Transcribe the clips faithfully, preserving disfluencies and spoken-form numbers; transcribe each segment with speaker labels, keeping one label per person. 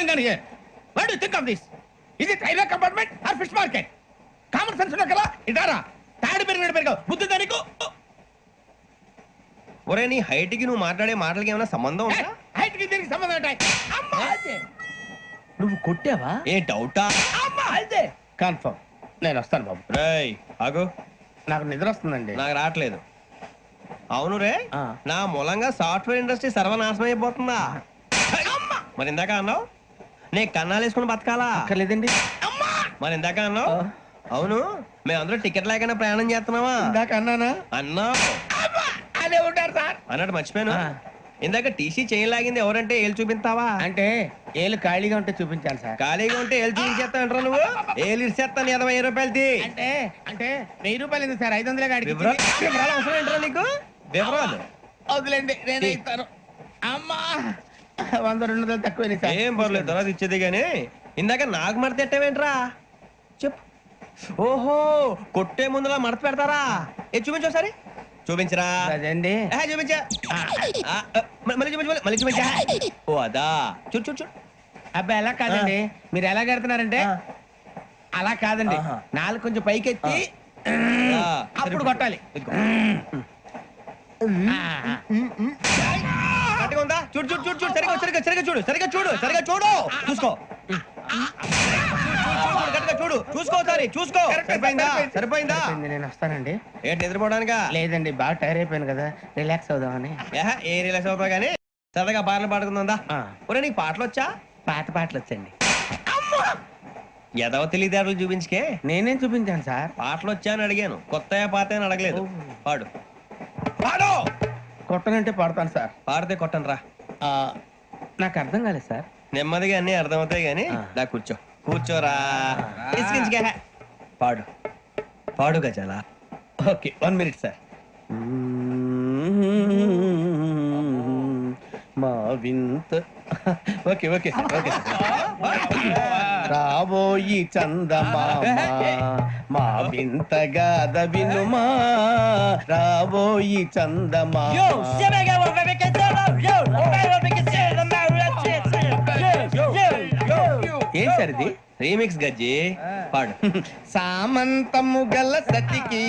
Speaker 1: going on here? What do you think of this? Is it railway compartment or fish market? Common sense ఉన్నా కదా ఇటారా తాడి పెరిగినట్టు పెరిగావు బుద్ధి దానికి.
Speaker 2: ఒరే నీ హైట్ కి నువ్వు మాట్లాడే మాటలకి ఏమైనా సంబంధం ఉందా?
Speaker 1: హైట్ కి దీనికి సంబంధం ఉంటాయి. అమ్మా అదే
Speaker 3: నువ్వు కొట్టావా?
Speaker 2: ఏ డౌటా?
Speaker 1: అమ్మా అదే కన్ఫర్మ్. నేను వస్తాను బాబు.
Speaker 2: రేయ్ ఆగు,
Speaker 1: నాకు నిద్ర వస్తుందండి.
Speaker 2: నాకు రావట్లేదు. అవును రే, నా మూలంగా సాఫ్ట్వేర్ ఇండస్ట్రీ సర్వనాశనం అయిపోతుందా? మరి ఇందాక అన్నావు నీ కన్నాలు వేసుకుని బతకాలా?
Speaker 1: అక్కర్లేదండి.
Speaker 2: మరి ఇందాక అన్నావు అవును మేమందరూ టికెట్ లేకుండా ప్రయాణం చేస్తున్నావా?
Speaker 1: ఇందాక అన్నానా?
Speaker 2: అన్నావు.
Speaker 1: అదే ఉంటారు సార్
Speaker 2: అన్నట్టు మర్చిపోయాను, ఇందాక టీసీ చేయి లాగింది ఎవరంటే ఏళ్ళు చూపిస్తావా?
Speaker 1: అంటే ఏళ్ళు ఖాళీగా ఉంటే చూపించాలి సార్.
Speaker 2: ఖాళీగా ఉంటే ఏళ్ళు చూపించేస్తానంటారా నువ్వు? ఏళ్ళు ఇచ్చేస్తాను ఇరవై రూపాయలది.
Speaker 1: అంటే అంటే వెయ్యి రూపాయలు ఎందుకు సార్? ఐదు వందలే గాడికి.
Speaker 2: వివరాలు వివరాలు అవసరం ఏంటరా నీకు? వివరాలు
Speaker 1: వదిలేండి నేనే ఇస్తాను. అమ్మా వంద రెండు వందలు తక్కువ సార్.
Speaker 2: ఏం పర్లేదు తర్వాత ఇచ్చేది కానీ ఇందాక నాకు మడత ఎట్టవేంట్రా చెప్పు. ఓహో కొట్టే ముందులా మడత పెడతారా? ఏ చూపించు ఒకసారి చూపించరా.
Speaker 1: అదండి
Speaker 2: చూపించా మళ్ళీ చూపించు మళ్ళీ చూపించా. ఓ అదా చూడు చూడు చూడు.
Speaker 1: అబ్బాయి ఎలా కాదండి, మీరు ఎలా కడుతున్నారంటే అలా కాదండి. నాలుగు కొంచెం పైకెత్తి అప్పుడు కొట్టాలి.
Speaker 2: కరెక్ట్గా ఉందా? చూడు చూడు చూడు చూడు సరిగా సరిగా సరిగా చూడు సరిగా చూడు సరిగా చూడు చూసుకో చూడు చూసుకో సారి చూసుకో. సరిపోయిందా? సరిపోయిందా?
Speaker 1: నేను వస్తానండి.
Speaker 2: ఏంటి నిద్రపోవడానికా?
Speaker 1: లేదండి బాగా టైర్ అయిపోయాను కదా, రిలాక్స్ అవుదామని.
Speaker 2: ఏ రిలాక్స్ అవుతావు కానీ సరదాగా పాటలు పాడుకుందా? ఒరే నీకు పాటలు వచ్చా?
Speaker 1: పాత పాటలు వచ్చండి.
Speaker 2: ఎదవ తెలియదారులు చూపించుకే.
Speaker 1: నేనేం చూపించాను సార్?
Speaker 2: పాటలు వచ్చా అని అడిగాను, కొత్త పాత అని అడగలేదు. పాడు పాడు.
Speaker 1: కొట్టనంటే పాడతాను సార్.
Speaker 2: పాడితే కొట్టను రా.
Speaker 1: నాకు అర్థం కాలేదు సార్.
Speaker 2: నెమ్మదిగా అన్ని అర్థమవుతాయి కానీ దా కూర్చో కూర్చోరా. పాడు పాడు గజాల.
Speaker 1: Okay one minute sir. మా వింత ఓకే ఓకే సార్ ఓకే రాబోయి చందమామ మా వింత గాథ వినుమా రాబోయి చందమామ. ఏం సార్ ఇది?
Speaker 2: రీమిక్స్ గజ్జి పాడు.
Speaker 1: సామంతము గల సతికి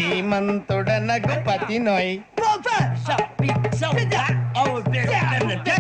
Speaker 1: శ్రీమంతుడనగు పతి నోయ్